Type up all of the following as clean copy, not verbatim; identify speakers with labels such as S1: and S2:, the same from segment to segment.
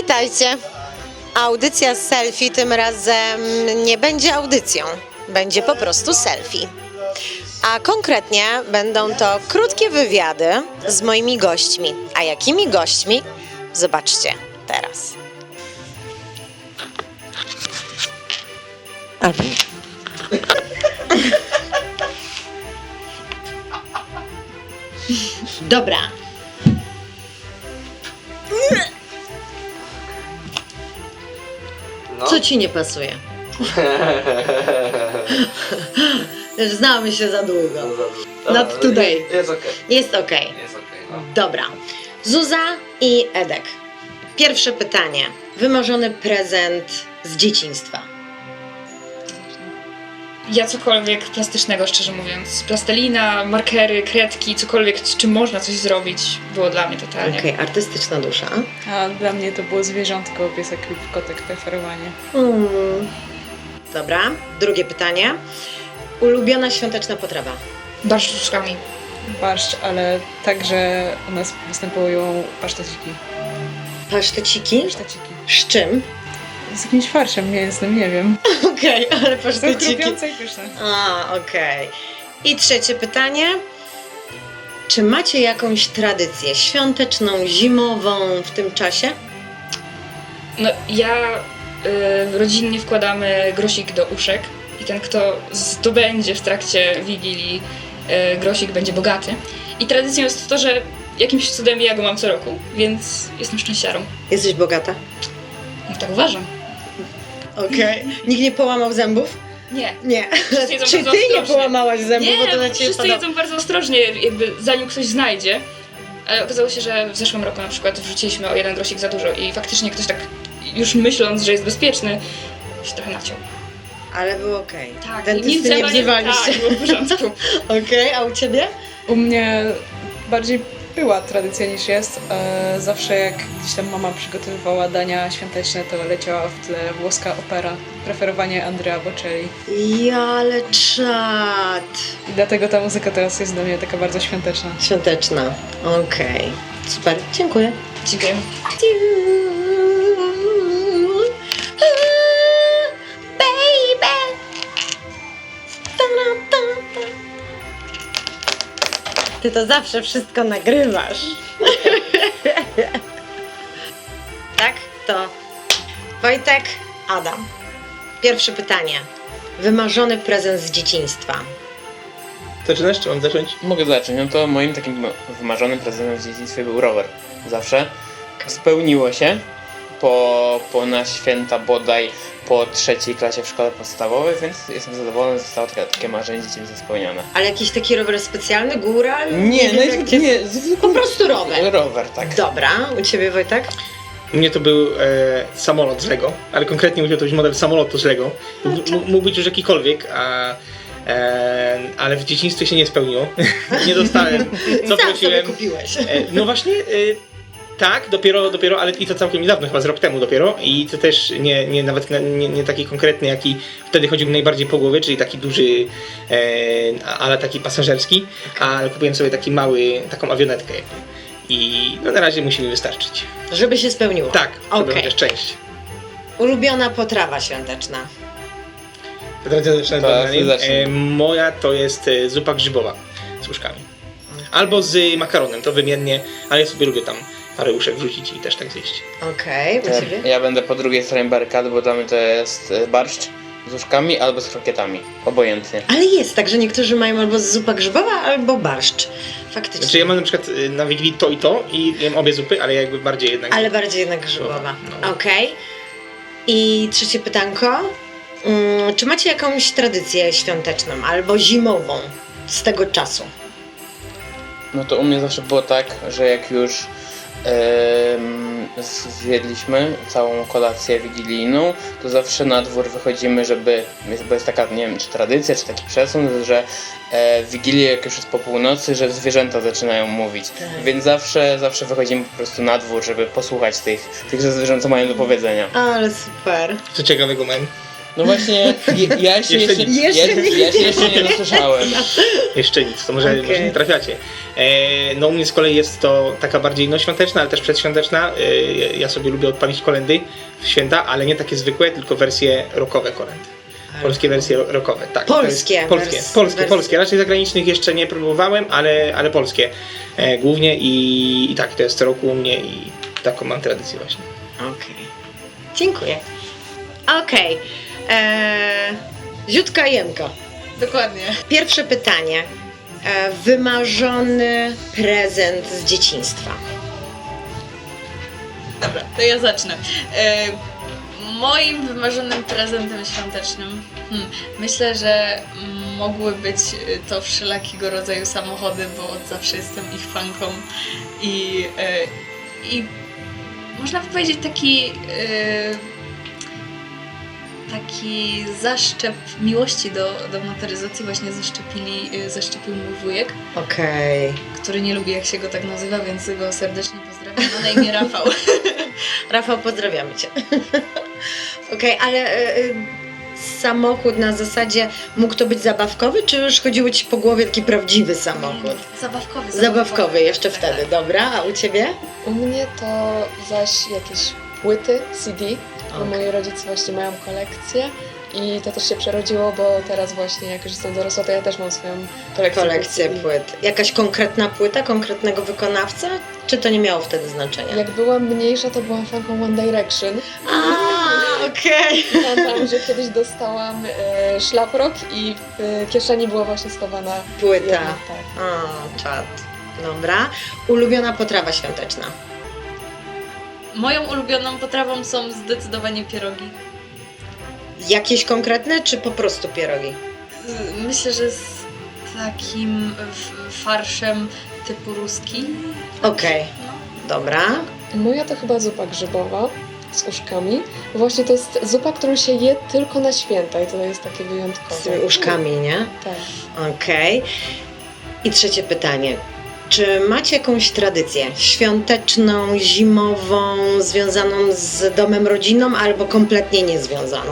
S1: Witajcie. Audycja selfie tym razem nie będzie audycją, będzie po prostu selfie. A konkretnie będą to krótkie wywiady z moimi gośćmi. A jakimi gośćmi? Zobaczcie teraz. Dobra. Co ci nie pasuje? Znamy się za długo. Not today.
S2: Jest okej.
S1: Jest okej.
S2: Jest okej, no.
S1: Dobra. Zuza i Edek. Pierwsze pytanie. Wymarzony prezent z dzieciństwa.
S3: Ja cokolwiek plastycznego, szczerze mówiąc. Plastelina, markery, kredki, cokolwiek, z czym można coś zrobić, było dla mnie totalnie.
S1: Okej, artystyczna dusza.
S4: A dla mnie to było zwierzątko, piesek lub kotek, preferowanie.
S1: Dobra. Drugie pytanie. Ulubiona świąteczna potrawa.
S3: Barszcz z łóżkami.
S4: Barszcz, ale także u nas występują paszteciki.
S1: Paszteciki.
S4: Paszteciki.
S1: Z czym?
S4: Z jakimś farszem mięsnym, nie wiem.
S1: Okej, ale
S4: Są
S1: paszteciki.
S4: chrupiące i pyszne.
S1: A, okej. I trzecie pytanie. Czy macie jakąś tradycję świąteczną, zimową w tym czasie?
S3: No ja rodzinnie wkładamy grosik do uszek i ten, kto zdobędzie w trakcie Wigilii grosik, będzie bogaty. I tradycją jest to, że jakimś cudem ja go mam co roku, więc jestem szczęściarą.
S1: Jesteś bogata?
S3: No tak uważam.
S1: Okej. Nikt nie połamał zębów?
S3: Nie.
S1: Nie.
S3: Wszyscy jedzą
S1: Czy
S3: bardzo
S1: ty nie
S3: ostrożnie.
S1: połamałaś zębów,
S3: Nie,
S1: bo to na
S3: bo
S1: ciebie
S3: wszyscy
S1: podoba?
S3: jedzą bardzo ostrożnie, jakby zanim ktoś znajdzie. Ale okazało się, że w zeszłym roku na przykład wrzuciliśmy o jeden grosik za dużo i faktycznie ktoś tak, już myśląc, że jest bezpieczny, się trochę naciął.
S1: Ale było okej.
S3: Tak,
S1: Dentysty nie wzywaliście.
S3: Tak, było w porządku.
S1: Okej, a u ciebie?
S4: U mnie bardziej była tradycja niż jest. Zawsze jak gdzieś tam mama przygotowywała dania świąteczne, to leciała w tle włoska opera. Preferowanie Andrea Bocelli.
S1: Ja, ale czad.
S4: I dlatego ta muzyka teraz jest dla mnie taka bardzo świąteczna.
S1: Świąteczna. Okej. Super, dziękuję.
S3: Dziękuję. Ty to zawsze wszystko nagrywasz. Tak? To Wojtek, Adam. Pierwsze pytanie. Wymarzony prezent z dzieciństwa.
S2: Zaczynasz, czy mam zacząć?
S5: Mogę zacząć. No to moim takim wymarzonym prezentem w dzieciństwie był rower. Zawsze. Spełniło się po na święta bodaj po 3. klasie w szkole podstawowej, więc jestem zadowolony, że zostało takie marzenie dzieciństwa spełnione.
S1: Ale jakiś taki rower specjalny, góra?
S5: Nie, no
S1: wiem, jak jest. Po prostu rower.
S5: Rower, tak.
S1: Dobra, u ciebie Wojtek?
S2: U mnie to był samolot z Lego, ale konkretnie musiał to być model samolotu z Lego. Mógł być już jakikolwiek, ale w dzieciństwie się nie spełniło. Nie dostałem, co
S1: Sam sobie
S2: prosiłem.
S1: kupiłeś.
S2: No właśnie, tak, dopiero, ale i to całkiem niedawno, chyba z rok temu dopiero. I to też nawet nie taki konkretny, jaki wtedy chodził mi najbardziej po głowie, czyli taki duży, ale taki pasażerski, ale kupiłem sobie taki mały, taką awionetkę jakby. I no na razie musi mi wystarczyć.
S1: Żeby się spełniło.
S2: Tak, żeby
S1: Okej.
S2: chociaż część.
S1: Ulubiona potrawa świąteczna.
S2: Tradycyjne
S5: Tak,
S2: danie.
S5: zacznij.
S2: Moja to jest zupa grzybowa z łóżkami. Albo z makaronem, to wymiennie, ale ja sobie lubię tam parę uszek wrzucić i też tak zjeść.
S1: Okej, u ciebie?
S5: Ja będę po drugiej stronie barykady, bo dla mnie to jest barszcz z łóżkami albo z krokietami. Obojętnie.
S1: Ale jest tak, że niektórzy mają albo zupa grzybowa, albo barszcz. Faktycznie.
S2: Znaczy ja mam na przykład na Wigilii to i to i jem obie zupy, ale jakby bardziej jednak...
S1: Ale bardziej jednak grzybowa.
S2: No.
S1: Okej. I trzecie pytanko. Czy macie jakąś tradycję świąteczną albo zimową z tego czasu?
S5: No to u mnie zawsze było tak, że jak już zjedliśmy całą kolację wigilijną, to zawsze na dwór wychodzimy, bo jest taka, nie wiem, czy tradycja, czy taki przesąd, że w Wigilię, jak już jest po północy, że zwierzęta zaczynają mówić. Więc zawsze wychodzimy po prostu na dwór, żeby posłuchać tych zwierząt, co mają do powiedzenia.
S1: Ale super.
S2: Co ciekawego mam.
S5: No właśnie, ja się
S2: Jeszcze nic.
S5: ja się jeszcze nie dosłyszałem.
S2: Jeszcze nic, to może,
S1: Okej.
S2: może nie trafiacie. No u mnie z kolei jest to taka bardziej no, świąteczna, ale też przedświąteczna. Ja sobie lubię odpalić kolędy w święta, ale nie takie zwykłe, tylko wersje rockowe kolęd. Polskie wersje rockowe, tak. to jest
S1: Polskie
S2: polskie,
S1: wersje.
S2: polskie. Raczej zagranicznych jeszcze nie próbowałem, ale polskie głównie i tak, to jest co roku u mnie i taką mam tradycję właśnie.
S1: Okej. Dziękuję. Okej. Ziutka Jemka.
S4: Dokładnie.
S1: Pierwsze pytanie. Wymarzony prezent z dzieciństwa.
S4: Dobra, to ja zacznę. Moim wymarzonym prezentem świątecznym myślę, że mogły być to wszelakiego rodzaju samochody, bo od zawsze jestem ich fanką i można by powiedzieć taki zaszczep miłości do motoryzacji właśnie zaszczepił mój wujek,
S1: Okej.
S4: który nie lubi jak się go tak nazywa, więc go serdecznie pozdrawiam. Ma na imię Rafał.
S1: Rafał, pozdrawiamy Cię. Okej, ale samochód na zasadzie mógł to być zabawkowy, czy już chodziło Ci po głowie taki prawdziwy samochód?
S4: Zabawkowy.
S1: Zabawkowy jeszcze
S4: Tak,
S1: wtedy,
S4: tak.
S1: dobra. A u Ciebie?
S6: U mnie to zaś jakieś płyty, CD, bo
S1: Okej.
S6: moi rodzice właśnie mają kolekcję i to też się przerodziło, bo teraz właśnie jak już jestem dorosła, to ja też mam swoją kolekcję
S1: Kolekcję
S6: CD.
S1: płyt. Jakaś konkretna płyta, konkretnego wykonawca? Czy to nie miało wtedy znaczenia?
S6: Jak byłam mniejsza, to byłam fanką One Direction.
S1: A, okej.
S6: Pamiętam, że kiedyś dostałam szlaprok i w kieszeni była właśnie schowana
S1: Płyta.
S6: jedna, tak.
S1: O, czad. Dobra. Ulubiona potrawa świąteczna.
S4: Moją ulubioną potrawą są zdecydowanie pierogi.
S1: Jakieś konkretne, czy po prostu pierogi?
S4: Myślę, że z takim farszem typu ruski.
S1: Okej. Dobra.
S6: Moja to chyba zupa grzybowa z uszkami. Właśnie to jest zupa, którą się je tylko na święta i to jest takie wyjątkowe.
S1: Z tymi uszkami, nie?
S6: Tak.
S1: Okej. I trzecie pytanie. Czy macie jakąś tradycję świąteczną, zimową, związaną z domem rodzinną, albo kompletnie niezwiązaną?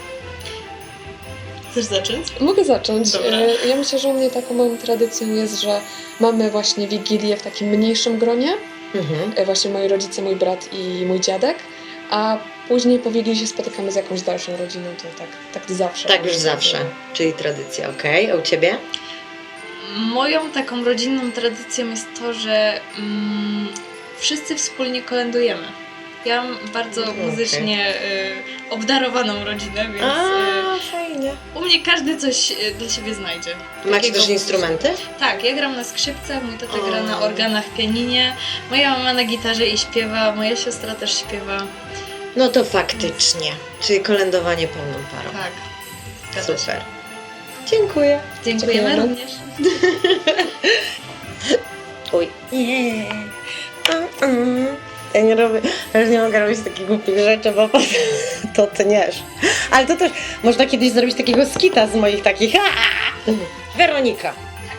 S4: Chcesz zacząć?
S6: Mogę zacząć.
S4: Dobra.
S6: Ja myślę, że u mnie taką moją tradycją jest, że mamy właśnie Wigilię w takim mniejszym gronie.
S1: Mhm.
S6: Właśnie moi rodzice, mój brat i mój dziadek. A później po Wigilii się spotykamy z jakąś dalszą rodziną. To tak zawsze.
S1: Tak już zawsze, czyli tradycja, okej. A u Ciebie?
S4: Moją taką rodzinną tradycją jest to, że wszyscy wspólnie kolędujemy. Ja mam bardzo
S1: Okej.
S4: muzycznie obdarowaną rodzinę, więc
S1: fajnie.
S4: u mnie każdy coś dla siebie znajdzie.
S1: Macie
S4: Takiego
S1: też instrumenty?
S4: Tak, ja gram na skrzypcach, mój tata
S1: O.
S4: gra na organach, pianinie, moja mama na gitarze i śpiewa, moja siostra też śpiewa.
S1: No to faktycznie, czyli kolędowanie pełną parą.
S4: Tak, zgadza się.
S1: Super. Dziękuję.
S4: Dziękujemy
S6: Dziękujemy.
S4: również.
S1: Oj. Nie. Ja nie robię, ja już nie mogę robić takich głupich rzeczy, bo potem to tniesz. Ale to też można kiedyś zrobić takiego skita z moich takich. Weronika.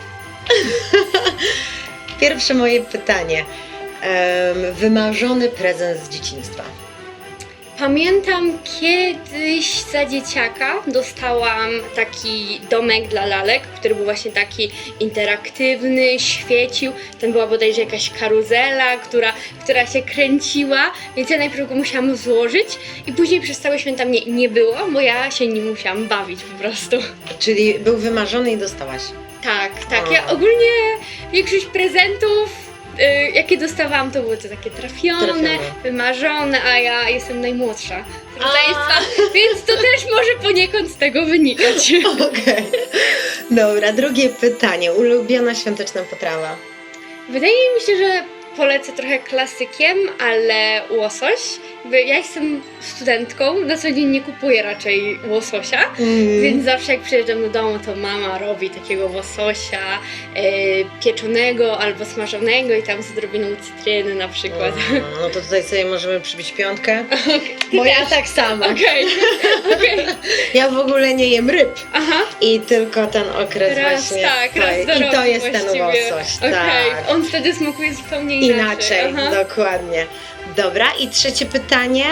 S1: Pierwsze moje pytanie. Wymarzony prezent z dzieciństwa.
S7: Pamiętam kiedyś za dzieciaka dostałam taki domek dla lalek, który był właśnie taki interaktywny, świecił. Tam była bodajże jakaś karuzela, która się kręciła, więc ja najpierw go musiałam złożyć i później przez całe święta mnie nie było, bo ja się nim musiałam bawić po prostu.
S1: Czyli był wymarzony i dostałaś.
S7: Tak.
S1: O.
S7: Ja ogólnie większość prezentów, jakie dostawałam, to były to takie trafione, wymarzone, a ja jestem najmłodsza z rodzeństwa, więc to też może poniekąd z tego wynikać.
S1: Okej. Dobra, drugie pytanie. Ulubiona świąteczna potrawa.
S7: Wydaje mi się, że polecę trochę klasykiem, ale łosoś. Ja jestem studentką, na co dzień nie kupuję raczej łososia, więc zawsze jak przyjeżdżam do domu, to mama robi takiego łososia pieczonego albo smażonego i tam z odrobiną cytryny na przykład.
S1: No to tutaj sobie możemy przybić piątkę. Bo ja tak samo.
S7: Okej.
S1: Ja w ogóle nie jem ryb.
S7: Aha.
S1: I tylko ten okres
S7: Raz
S1: właśnie.
S7: tak, raz
S1: stoi.
S7: do
S1: I to
S7: roku
S1: jest ten
S7: właściwie.
S1: łosoś.
S7: Okej,
S1: Tak.
S7: on wtedy smakuje zupełnie inaczej.
S1: Inaczej,
S7: Aha.
S1: dokładnie. Dobra, i trzecie pytanie.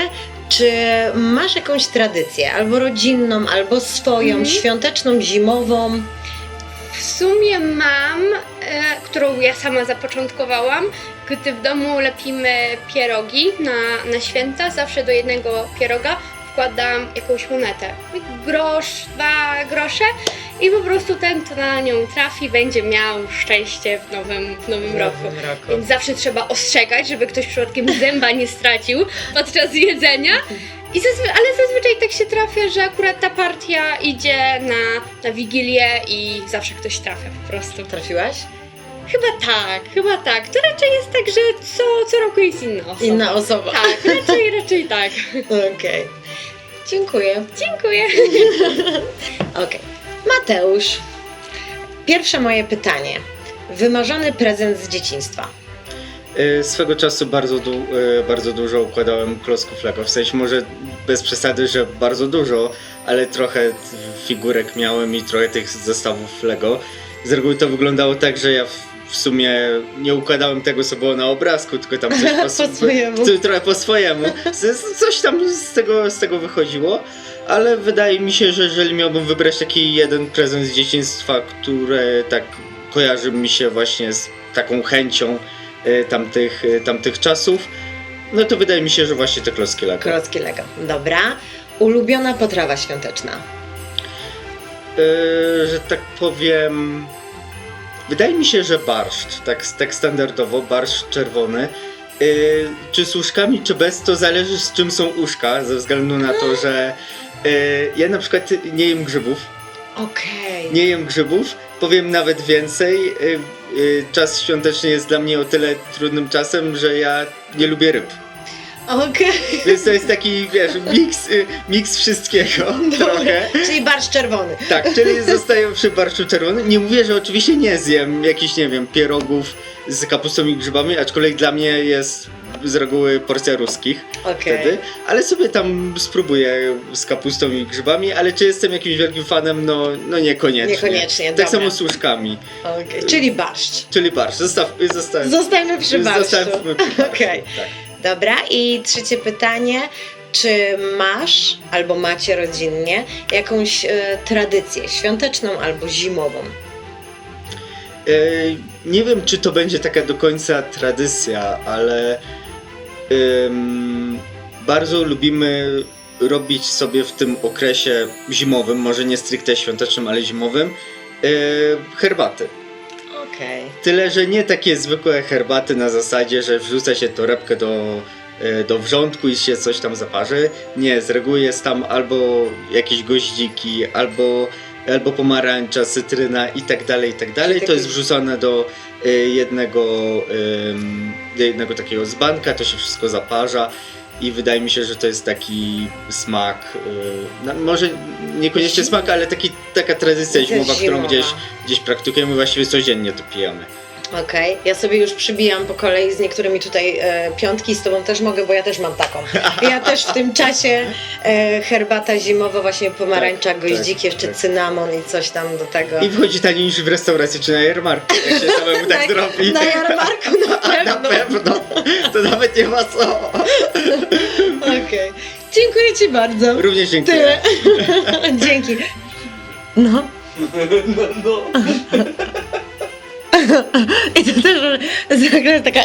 S1: Czy masz jakąś tradycję, albo rodzinną, albo swoją, świąteczną, zimową?
S7: W sumie mam, którą ja sama zapoczątkowałam, gdy w domu lepimy pierogi na święta, zawsze do jednego pieroga wkładam jakąś monetę. Grosz, 2 grosze i po prostu ten, kto na nią trafi, będzie miał szczęście w nowym roku. Więc zawsze trzeba ostrzegać, żeby ktoś przypadkiem zęba nie stracił podczas jedzenia. Ale zazwyczaj tak się trafia, że akurat ta partia idzie na Wigilię i zawsze ktoś trafia po prostu.
S1: Trafiłaś?
S7: Chyba tak. To raczej jest tak, że co roku jest inna osoba.
S1: Inna osoba.
S7: Tak, raczej tak.
S1: Okej. Dziękuję.
S7: Dziękuję.
S1: Okej. Mateusz, pierwsze moje pytanie. Wymarzony prezent z dzieciństwa.
S8: Swego czasu bardzo dużo układałem klocków Lego, w sensie może bez przesady, że bardzo dużo, ale trochę figurek miałem i trochę tych zestawów Lego. Z reguły to wyglądało tak, że ja w sumie nie układałem tego, co było na obrazku, tylko tam coś
S1: Po swojemu.
S8: trochę po swojemu. Coś tam z tego wychodziło, ale wydaje mi się, że jeżeli miałbym wybrać taki jeden prezent z dzieciństwa, który tak kojarzy mi się właśnie z taką chęcią tamtych czasów, no to wydaje mi się, że właśnie te klocki Lego.
S1: Klocki Lego. Dobra. Ulubiona potrawa świąteczna.
S8: Że tak powiem, wydaje mi się, że barszcz, tak standardowo, barszcz czerwony. Czy z uszkami, czy bez, to zależy z czym są uszka, ze względu na to, że ja na przykład nie jem grzybów.
S1: Okej.
S8: Nie jem grzybów, powiem nawet więcej. Czas świąteczny jest dla mnie o tyle trudnym czasem, że ja nie lubię ryb.
S1: Okej.
S8: Więc to jest taki, wiesz, miks wszystkiego trochę.
S1: Czyli barszcz czerwony.
S8: Tak, czyli zostaję przy barszczu czerwonym. Nie mówię, że oczywiście nie zjem jakichś, nie wiem, pierogów z kapustą i grzybami, aczkolwiek dla mnie jest z reguły porcja ruskich wtedy, ale sobie tam spróbuję z kapustą i grzybami, ale czy jestem jakimś wielkim fanem? No niekoniecznie.
S1: Niekoniecznie,
S8: Tak
S1: dobra.
S8: samo z łóżkami.
S1: Okej. Czyli barszcz.
S8: Czyli barszcz.
S1: Zostańmy przy barszczu.
S8: Zostawmy przy barszczu.
S1: Okej.
S8: Tak.
S1: Dobra, i trzecie pytanie. Czy masz albo macie rodzinnie jakąś tradycję świąteczną albo zimową?
S8: Nie wiem, czy to będzie taka do końca tradycja, ale bardzo lubimy robić sobie w tym okresie zimowym, może nie stricte świątecznym, ale zimowym, herbaty.
S1: Okej.
S8: Tyle, że nie takie zwykłe herbaty na zasadzie, że wrzuca się torebkę do wrzątku i się coś tam zaparzy. Nie, z reguły jest tam albo jakieś goździki, albo pomarańcza, cytryna i tak dalej, i tak dalej. To jest wrzucone do jednego takiego dzbanka, to się wszystko zaparza i wydaje mi się, że to jest taki smak, może niekoniecznie smak, ale taka tradycja zimowa, którą gdzieś praktykujemy, właściwie codziennie to pijemy.
S1: Okej, ja sobie już przybijam po kolei z niektórymi tutaj piątki, z tobą też mogę, bo ja też mam taką. Ja też w tym czasie herbata zimowa, właśnie pomarańcza, goździki, jeszcze cynamon i coś tam do tego.
S8: I wychodzi taniej niż w restauracji czy na jarmarku, jak się samemu tak zrobi.
S1: Na jarmarku na pewno.
S8: Na pewno, to nawet nie ma co.
S1: Okej. Dziękuję ci bardzo.
S8: Również dziękuję.
S1: Tyle. Dzięki. No. I to też jest taka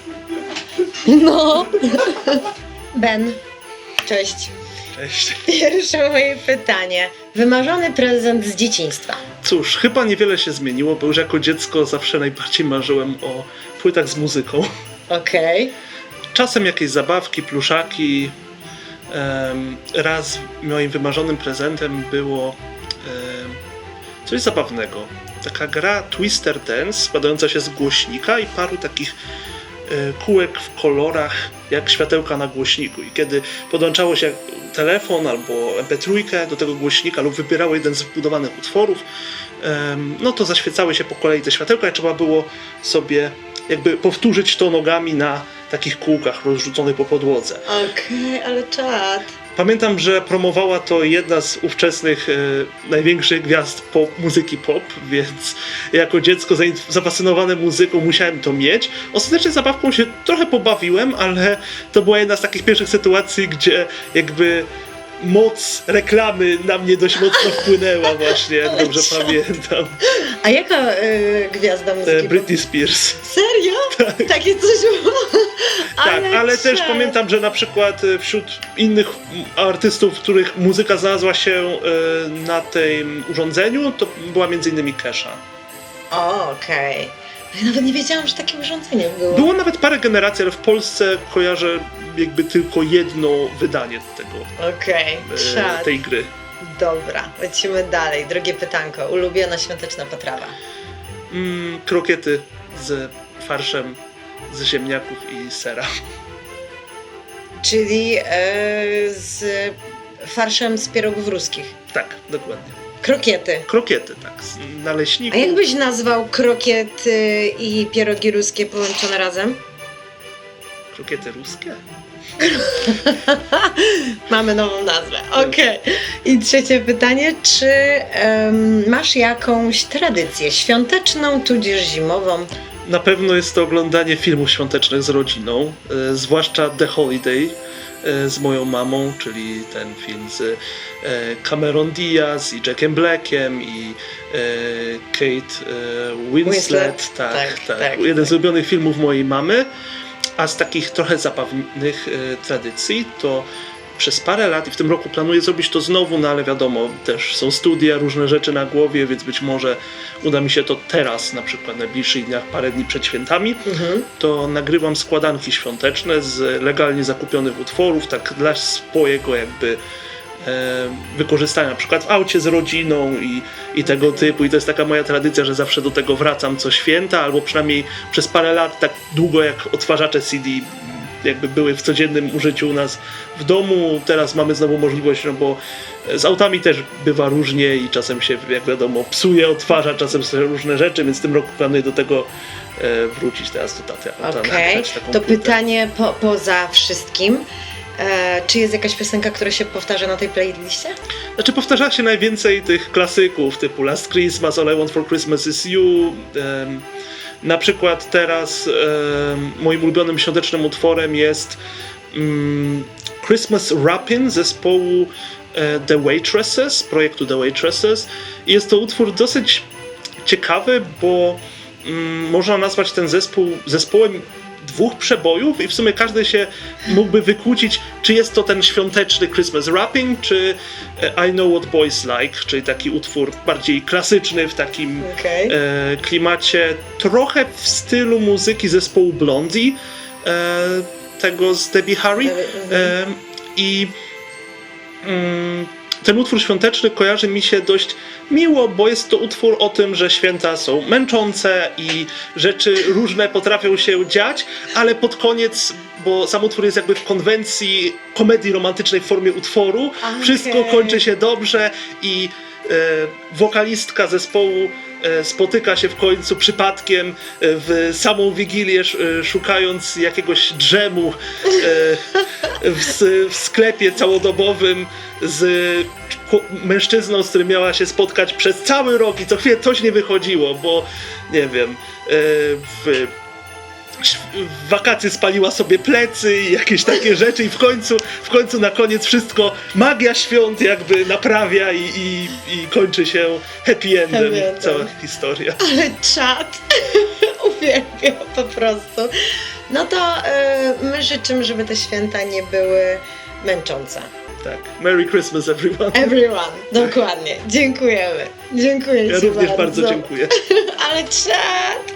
S1: No. Ben. Cześć.
S9: Cześć.
S1: Pierwsze moje pytanie. Wymarzony prezent z dzieciństwa.
S9: Cóż, chyba niewiele się zmieniło, bo już jako dziecko zawsze najbardziej marzyłem o płytach z muzyką.
S1: Okej.
S9: Czasem jakieś zabawki, pluszaki. Raz moim wymarzonym prezentem było coś zabawnego. Taka gra Twister Dance składająca się z głośnika i paru takich kółek w kolorach jak światełka na głośniku. I kiedy podłączało się telefon albo MP3 do tego głośnika lub wybierało jeden z wbudowanych utworów, no to zaświecały się po kolei te światełka i trzeba było sobie jakby powtórzyć to nogami na takich kółkach rozrzuconych po podłodze.
S1: Okej, ale czad.
S9: Pamiętam, że promowała to jedna z ówczesnych największych gwiazd muzyki pop, więc jako dziecko zafascynowane muzyką musiałem to mieć. Ostatecznie zabawką się trochę pobawiłem, ale to była jedna z takich pierwszych sytuacji, gdzie jakby moc reklamy na mnie dość mocno wpłynęła właśnie, jak dobrze pamiętam.
S1: A jaka gwiazda muzyki?
S9: Britney Spears.
S1: Serio? Tak. Takie coś było?
S9: Tak, ale też pamiętam, że na przykład wśród innych artystów, których muzyka znalazła się na tym urządzeniu, to była m.in. Kesha.
S1: Okej. Ja nawet nie wiedziałam, że takie urządzenie było.
S9: Było nawet parę generacji, ale w Polsce kojarzę jakby tylko jedno wydanie
S1: Okej, czad.
S9: tej gry.
S1: Dobra, lecimy dalej. Drugie pytanko. Ulubiona świąteczna potrawa.
S9: Krokiety z farszem z ziemniaków i sera.
S1: Czyli z farszem z pierogów ruskich.
S9: Tak, dokładnie.
S1: Krokiety.
S9: Krokiety, tak, z naleśników.
S1: A jak byś nazwał krokiety i pierogi ruskie połączone razem?
S9: Krokiety ruskie?
S1: Mamy nową nazwę. Okej. I trzecie pytanie. Czy masz jakąś tradycję świąteczną, tudzież zimową?
S9: Na pewno jest to oglądanie filmów świątecznych z rodziną, zwłaszcza The Holiday z moją mamą, czyli ten film z Cameron Diaz i Jackiem Blackiem i Kate Winslet. Tak. Jeden z ulubionych filmów mojej mamy. A z takich trochę zabawnych tradycji to przez parę lat i w tym roku planuję zrobić to znowu, no ale wiadomo, też są studia, różne rzeczy na głowie, więc być może uda mi się to teraz, na przykład w najbliższych dniach, parę dni przed świętami, to nagrywam składanki świąteczne z legalnie zakupionych utworów, tak dla swojego jakby wykorzystania, na przykład w aucie z rodziną i tego typu. I to jest taka moja tradycja, że zawsze do tego wracam co święta, albo przynajmniej przez parę lat, tak długo jak odtwarzacze CD jakby były w codziennym użyciu u nas w domu. Teraz mamy znowu możliwość, no bo z autami też bywa różnie i czasem się, jak wiadomo, psuje, odtwarza, czasem są różne rzeczy, więc w tym roku planuję do tego wrócić teraz do taty.
S1: Okej, to pytanie poza wszystkim. Czy jest jakaś piosenka, która się powtarza na tej playliście?
S9: Znaczy powtarza się najwięcej tych klasyków typu Last Christmas, All I Want For Christmas Is You. Na przykład teraz moim ulubionym świątecznym utworem jest Christmas Rappin' zespołu The Waitresses, projektu The Waitresses. I jest to utwór dosyć ciekawy, bo można nazwać ten zespół zespołem dwóch przebojów i w sumie każdy się mógłby wykłócić, czy jest to ten świąteczny Christmas Rapping, czy I Know What Boys Like, czyli taki utwór bardziej klasyczny w takim klimacie, trochę w stylu muzyki zespołu Blondie, tego z Debbie Harry. I ten utwór świąteczny kojarzy mi się dość miło, bo jest to utwór o tym, że święta są męczące i rzeczy różne potrafią się dziać, ale pod koniec, bo sam utwór jest jakby w konwencji komedii romantycznej w formie utworu, wszystko kończy się dobrze i wokalistka zespołu spotyka się w końcu przypadkiem w samą Wigilię, szukając jakiegoś drzemu w sklepie całodobowym z mężczyzną, z którym miała się spotkać przez cały rok i co chwilę coś nie wychodziło, bo nie wiem, w wakacje spaliła sobie plecy i jakieś takie rzeczy i w końcu na koniec wszystko magia świąt jakby naprawia i kończy się happy endem cała historia.
S1: Ale czad uwielbiam po prostu. No to my życzymy, żeby te święta nie były męczące.
S9: Tak. Merry Christmas everyone.
S1: Everyone, dokładnie. Dziękujemy. Dziękuję
S9: Ja
S1: ci
S9: również bardzo dziękuję.
S1: Ale czad!